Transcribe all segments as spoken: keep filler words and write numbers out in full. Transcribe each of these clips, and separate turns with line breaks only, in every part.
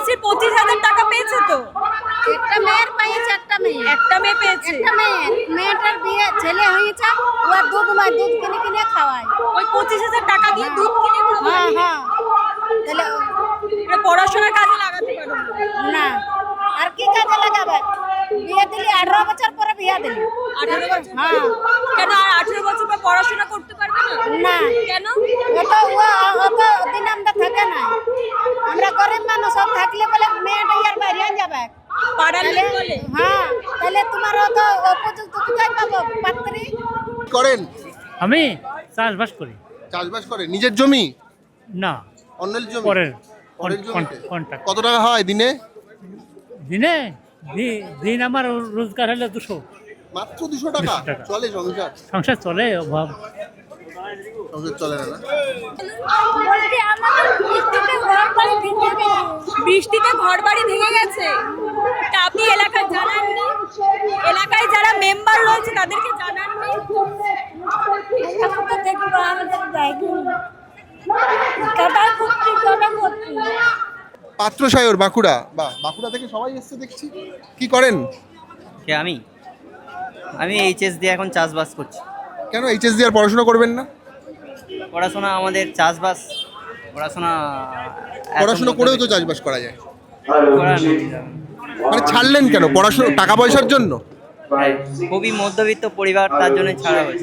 কন্যাশ্রী পঁচিশ হাজার টাকা পেয়েছে তো?
একটা মেয়ের পেয়েছে, একটা মেয়ে
একটা মেয়ে পেয়েছে।
একটা মেয়ে মেয়েটার বিয়ে ছেলে হয়েছে, ও দুধ নয় দুধ কিনে কিনে খাওয়ায়।
ওই পঁচিশ হাজার টাকা দিয়ে দুধ কিনে খাওয়ায়?
হ্যাঁ হ্যাঁ তাহলে
এটা পড়াশোনার কাজে লাগাতে পারো
না, আর কি কাজে লাগাবে? বিয়ে দিলি আঠারো বছর পরে বিয়ে দিলি।
আঠারো বছর?
হ্যাঁ।
কেন আর আঠারো বছর পর পড়াশোনা করতে পারবে না?
না
কেন?
ওটা ও অত দিন আমরা থাকে না, আমরা গরিব মানুষ সব থাকলে বলে মেয়েটা আর বাইরে যাবে
পাড়ার লোক বলে?
হ্যাঁ, তাহলে তোমার অত উপযুক্ত কোথায় পাবো পাত্রী?
করেন?
আমি চাষবাস করি।
চাষবাস করেন? নিজের জমি
না,
অন্যের জমি?
পরের
পরের জমিতে?
কন্ট্রাক্ট।
কত টাকা হয় দিনে?
দিনে দি- দিন আমার রোজগার হলে দুশো।
মাত্র দুশো টাকা?
দুশো টাকা।
চলে সংসার?
সংসার চলে, অভাব।
সংসার চলে না না?
বলতে আমাদের বৃষ্টিতে ঘর বাড়ি ভেঙে গেছে।
বৃষ্টিতে ঘর বাড়ি ভেঙে গেছে, তা আপনি এলাকায় জানাননি? এলাকায় যারা মেম্বার রয়েছে তাদেরকে জানাননি?
এখন তো দেখবো আমাদের যাইনি। কাটা করছি কাটা করছি
পাত্র সায়র বাঁকুড়া। বা বাঁকুড়া থেকে সবাই এসছে দেখছি। কি করেন?
কে আমি আমি এইচএস দিয়ে এখন চাষবাস করছি।
কেন এইচএস দিয়ে আর পড়াশোনা করবেন না?
পড়াশোনা আমাদের চাষবাস পড়াশোনা এত
পড়াশোনা করেও তো
মধ্যবিত্ত-
চাষবাস করা যায়।
করা নেই।
মানে ছাড়লেন কেন? পড়াশোনা টাকা পয়সার জন্য?
হ্যাঁ, খুবই মধ্যবিত্ত পরিবার, তার জন্য ছাড়া হয়েছে।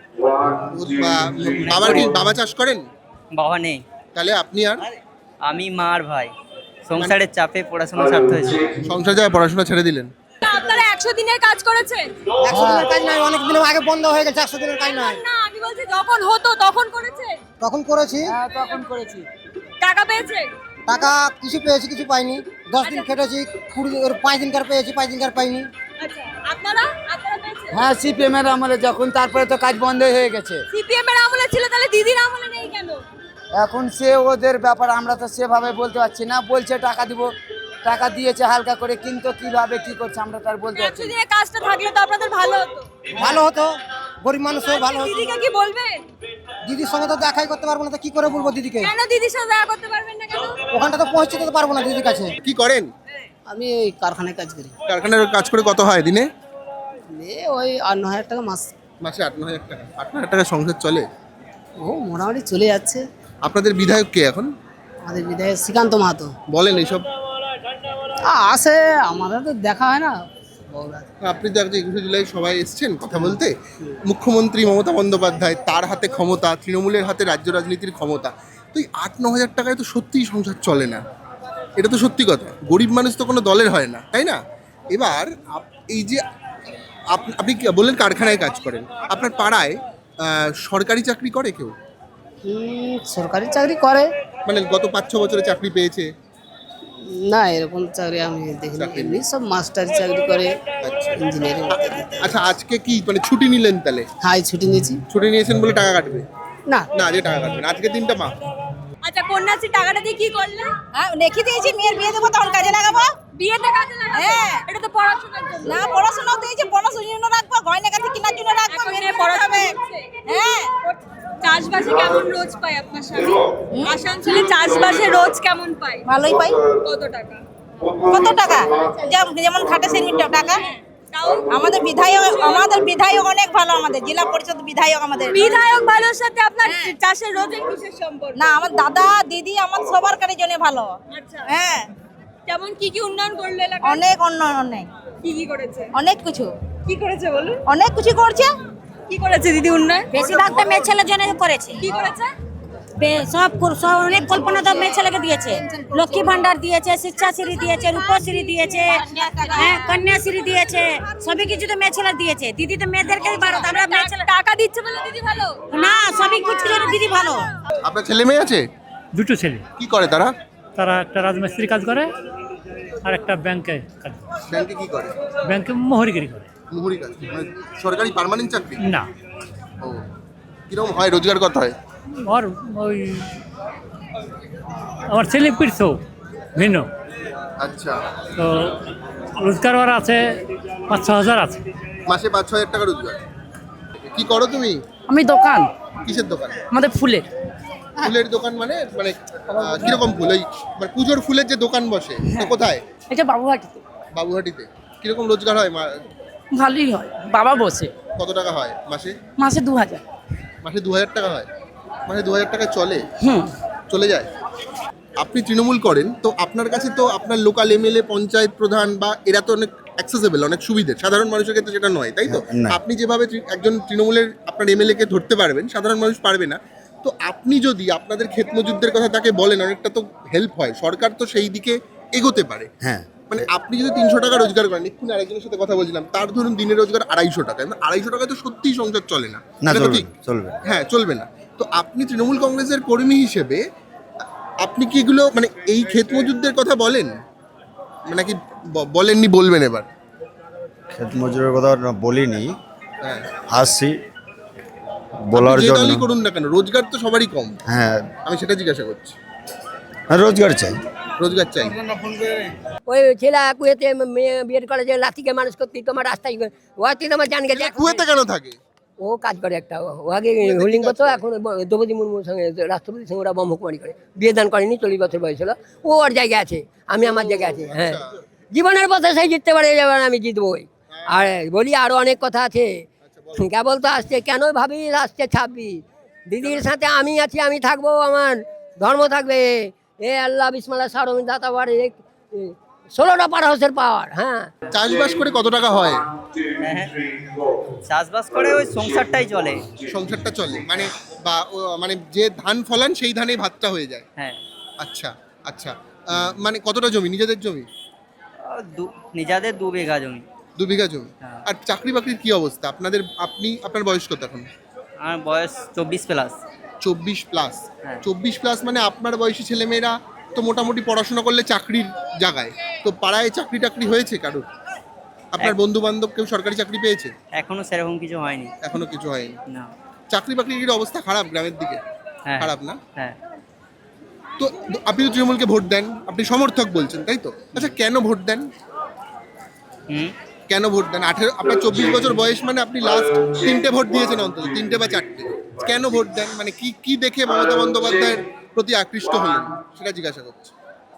বা- বাবার কি বাবা চাষ করেন?
বাবা নেই,
তাহলে আপনি আর
আমি মা আর ভাই। সংসারের চাপে পড়াশোনা ছাড়তে হয়েছে।
সংসার যায় পড়াশোনা ছেড়ে দিলেন?
তা আপনারা একশো দিনের কাজ করেছেন?
একশো দিনের কাজ নয়, অনেক দিন আগে বন্ধ হয়ে গেছে। একশো দিনের কাজ নয়,
না, আমি বলছি যখন হতো তখন করেছেন?
তখন করেছি।
তখন করেছি।
টাকা পেয়েছে?
টাকা কিছু পেয়েছি কিছু পাইনি। দশ দিন খেটেছি, কুড়ি ওর পাঁচ দিনকার পেয়েছি, পাঁচ দিনকার পাইনি।
আচ্ছা, আপনারা আপনারা পেয়েছেন?
হ্যাঁ, সিপিএম এর আমলে যখন, তারপরে তো কাজ বন্ধ হয়ে গেছে।
সিপিএম এর আমলে ছিল, তাহলে দিদির আমলে নেই কেন?
এখন সে ওদের ব্যাপার, আমরা তো সেভাবে বলতে পারছি না। বলছে টাকা দিব, টাকা দিয়েছে হালকা করে, কিন্তু কিভাবে কি করছে আমরা তার বলতে পারছি
একশো
না।
দিনের কাজটা থাকলে তো আপনাদের ভালো হতো।
ভালো হতো, গরিব মানুষও ভালো হতো।
দিদিকে কি বলবেন?
দিদির সঙ্গে তো দেখাই করতে পারবো না, তো কি করে বলবো দিদিকে?
কেন দিদির সাথে দেখা করতে পারবেন না কেন?
ওখানটা তো পৌঁছে যেতে পারবো না দিদির কাছে।
কি করেন?
আমি ওই কারখানায় কাজ করি।
কারখানার কাজ করে কত হয় দিনে?
ওই আট ন হাজার টাকা মাস।
মাসে আট ন হাজার টাকা? আট ন হাজার টাকা সংসার চলে?
ও মোটামুটি চলে যাচ্ছে।
আপনাদের বিধায়ক কে এখন?
আমাদের বিধায়ক শ্রীকান্ত মাহাতো
বলেন এইসব।
আসে, আমাদের তো দেখা হয় না।
আপনি তো আজকে একুশে জুলাই সবাই এসছেন কথা বলতে। মুখ্যমন্ত্রী মমতা বন্দ্যোপাধ্যায়, তার হাতে ক্ষমতা, তৃণমূলের হাতে রাজ্য রাজনীতির ক্ষমতা। তো এই আট ন হাজার টাকায় তো সত্যিই সংসার চলে না, এটা তো সত্যি কথা। গরিব মানুষ তো কোনো দলের হয় না, তাই না? এবার আপ- এই যে আপ- আপনি কি বললেন কারখানায় কাজ করেন, আপনার পাড়ায় আহ, সরকারি চাকরি করে কেউ?
সরকারি চাকরি করে
মানে গত পাঁচ ছ বছরে চাকরি পেয়েছে?
না, এরকম চাকরি আমি দেখিনি।
চাকরি নেই।
এমনি সব মাস্টারি চাকরি করে,
আচ্ছা
ইঞ্জিনিয়ারিং।
আচ্ছা, আজকে কি মানে ছুটি নিলেন তাহলে?
হাই ছুটি নিয়েছি।
ছুটি নিয়েছেন বলে টাকা কাটবে
না,
না? যে টাকা কাটবে না, আজকে দিনটা মা।
আচ্ছা, কন্যাশ্রী টাকাটা দিয়ে কি করলে?
হ্যাঁ, রেখে দিয়েছি, মেয়ের বিয়ে দেবো তখন কাজে লাগাবো।
বিয়েতে কাজে লাগাবে?
হ্যাঁ।
এটা তো পড়াশোনার জন্য।
না, পড়াশোনাও দিয়েছি, পড়াশোনার জন্য রাখবো, গয়না কাটি কেনার জন্য রাখবো,
এখন
মেয়ের
মেয়ে
বিয়ে
পড়াশোনা
হবে।
করছে।
হ্যাঁ,
চাষবাসে কেমন রোজ পায় আপনার স্বামী? আসানসোলে চাষবাসে রোজ কেমন পায়?
ভালোই পাই।
কত টাকা?
কত টাকা? যেম- যেমন খাটে সেরকম টাকা।
তাও
আমাদের বিধায়ক আমাদের বিধায়ক অনেক ভালো, আমাদের জেলা পরিষদ বিধায়ক আমাদের।
বিধায়ক ভালোর সাথে আপনার
হ্যাঁ।
চাষের রোজের বিশেষ সম্পর্ক?
না, আমার দাদা দিদি আমার সবার কারের জন্য ভালো।
আচ্ছা,
হ্যাঁ,
কেমন কি কি উন্নয়ন করলো এলাকায়?
অনেক উন্নয়ন, অনেক
কি কি করেছে?
অনেক কিছু
কি করেছে বলুন?
অনেক কিছু করছে।
কি করেছে দিদি উন্নয়ন?
বেশিরভাগটা মেয়ে ছেলের জন্য করেছে।
কি করেছে?
সব সব অনেক কল্পনা তো মেয়ে ছেলেকে দিয়েছে। লক্ষ্মী ভান্ডার দিয়েছে, শিক্ষাশ্রী দিয়েছে, রূপশ্রী দিয়েছে, হ্যাঁ, কন্যাশ্রী দিয়েছে, সবই কিছু তো মেয়ে ছেলে দিয়েছে। দিদি তো মেয়েদেরকে ভালো, আমরা মেয়ে ছেলে
টাকা দিচ্ছে বলে দিদি ভালো?
না, সবই কিছু জন্য দিদি ভালো।
আপনার ছেলে মেয়ে আছে?
দুটো ছেলে,
কি করে তারা?
তারা একটা রাজমিস্ত্রি কাজ করে আর একটা ব্যাংকে কাজ করে।
ব্যাংকে কি করে?
ব্যাংকে মোহরিগিরি করে।
মুহুরি কাজ, মানে সরকারি পার্মানেন্ট চাকরি?
না,
ও, কিরকম হয়, রোজগার কত হয়?
আর ওই আমার ছেলে পিড়ছো ভিন্ন,
আচ্ছা,
তো রোজগার ওর আছে পাঁচ ছ হাজার আছে।
মাসে পাঁচ ছ হাজার টাকা রোজগার। কি করো তুমি?
আমি দোকান,
কিসের দোকান?
আমাদের ফুলের।
ফুলের দোকান মানে মানে আহ, কিরকম ফুল ওই মানে পুজোর ফুলের যে দোকান বসে তো কোথায়?
এটা বাবুঘাটিতে
বাবুহাটিতে। কিরকম রোজগার হয় মা-
ভালোই হয়, বাবা বসে
কত টাকা হয় মাসে?
মাসে দু হাজার।
মাসে দু হাজার টাকা হয়? মাসে দু হাজার টাকা চলে?
হুম
চলে যায়। আপনি তৃণমূল করেন তো আপনার কাছে তো আপনার লোকাল এমএলএ পঞ্চায়েত প্রধান বা এরা তো অনেক অ্যাক্সেসেবল, অনেক সুবিধে, সাধারণ মানুষের ক্ষেত্রে সেটা নয়, তাই তো?
না।
আপনি যেভাবে তৃ- একজন তৃণমূলের আপনার এমএলএ কে ধরতে পারবেন, সাধারণ মানুষ পারবে না। তো আপনি যদি আপনাদের ক্ষেত মজুরদের কথা তাকে বলেন, অনেকটা তো হেল্প হয়, সরকার তো সেই দিকে এগোতে পারে।
হ্যাঁ
মানে আপনি যদি তিনশো টাকা রোজগার করেন, এক্ষুনি আরেকজনের সাথে কথা বলছিলাম, তার ধরুন দিনের রোজগার আড়াইশো টাকা, মানে আড়াইশো টাকায় তো সত্যিই সংসার চলে না।
না
এটা তো
চলবে
ঠিক।
চলবে
হ্যাঁ, চলবে না। তো আপনি তৃণমূল কংগ্রেসের কর্মী হিসেবে আপনি কি এগুলো মানে এই ক্ষেত মজুরদের কথা বলেন, মানে কি ব- বলেননি, বলবেন এবার?
ক্ষেত মজুরের কথা না বলিনি,
হ্যাঁ,
আসছি বলার
আপনি যে
জন্য।
দলই করুন না কেন, রোজগার তো সবারই কম,
হ্যাঁ
আমি সেটা জিজ্ঞাসা করছি।
হ্যাঁ, রোজগার চাই।
রোজগার চাই।
ওই ছেলে কুয়েতে মেয়ে বিয়ের করে যে লাঠিকে মানুষ করতে তোমার রাস্তায় ওয়াতি তোমার জান গেছে
কুয়েতে কেন থাকে?
ও কাজ করে একটা ও আগে হোল্ডিং করতো, এখন ওই দ্রৌপদী মুর্মুর সঙ্গে রাষ্ট্রপতির সঙ্গে ওরা ব্রহ্মকুমারী করে বিয়ে দান করেনি, চল্লিশ বছর বয়স হলো। ও ওর জায়গায় আছে, আমি আমার জায়গায় আছি। হ্যাঁ, জীবনের পথে সেই জিততে পারে, এবার আমি জিতবই। আর বলি আরো অনেক কথা আছে, কেবল তো আসছে কেন ভাবি আসছে ছাব্বিশ, দিদির সাথে আমি আছি, আমি থাকবো, আমার ধর্ম থাকবে। এ আল্লাহ বিসমাল্লাহ সারমিন দাতা পারে ষোলোটা পার হাউসের পাওয়ার। হ্যাঁ,
চাষবাস করে কত টাকা হয়?
হ্যাঁ চাষবাস করে ওই সংসারটাই চলে।
সংসারটা চলে মানে বা ও- মানে যে ধান ফলান সেই ধানেই ভাতটা হয়ে যায়?
হ্যাঁ
আচ্ছা আচ্ছা। আহ, মানে কতটা জমি, নিজেদের জমি?
আর দু- নিজেদের দু বিঘা জমি।
দু বিঘা জমি।
হ্যাঁ।
আর চাকরি বাকরির কি অবস্থা আপনাদের? আপনি আপনার বয়স কত এখন?
আমার বয়স চব্বিশ প্লাস।
চব্বিশ প্লাস।
হ্যাঁ।
চব্বিশ প্লাস মানে আপনার বয়সী ছেলেমেয়েরা তো মোটামুটি পড়াশোনা করলে চাকরির জায়গায়, তো পাড়ায় চাকরি টাকরি হয়েছে কারোর? আপনার
এক-
বন্ধু বান্ধব কেউ সরকারি চাকরি পেয়েছে?
এখনো সেরকম কিছু হয়নি।
এখনো কিছু হয়নি।
না।
চাকরি বাকরির অবস্থা খারাপ গ্রামের দিকে?
হ্যাঁ
খারাপ না?
হ্যাঁ
তো আপনি তো তৃণমূলকে ভোট দেন, আপনি সমর্থক বলছেন, তাই তো? আচ্ছা, কেন ভোট দেন?
হুম
কেন ভোট দেন? আঠেরো, আপনার চব্বিশ বছর বয়স মানে আপনি লাস্ট তিনটে ভোট দিয়েছেন, অন্তত তিনটে বা চারটে। কেন ভোট দেন, মানে কি কি দেখে মমতা বন্দ্যোপাধ্যায়ের প্রতি আকৃষ্ট হলেন সেটা জিজ্ঞাসা করছি।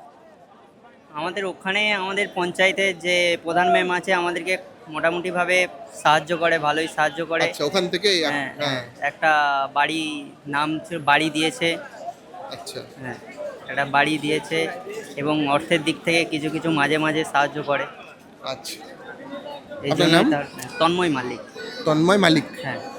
আমাদের ওখানে আমাদের পঞ্চায়েতের যে প্রধান ম্যাম আছে আমাদেরকে মোটামুটিভাবে সাহায্য করে, ভালোই সাহায্য করে।
আচ্ছা, ওখান থেকে এক-
হ্যাঁ
হ্যাঁ,
একটা বাড়ি নাম ছিল, বাড়ি দিয়েছে।
আচ্ছা
হ্যাঁ একটা বাড়ি দিয়েছে এবং অর্থের দিক থেকে কিছু কিছু মাঝে মাঝে সাহায্য করে।
আচ্ছা।
এই
আপনার
জন্য
নাম?
তন্ময় মালিক।
তন্ময় মালিক।
হ্যাঁ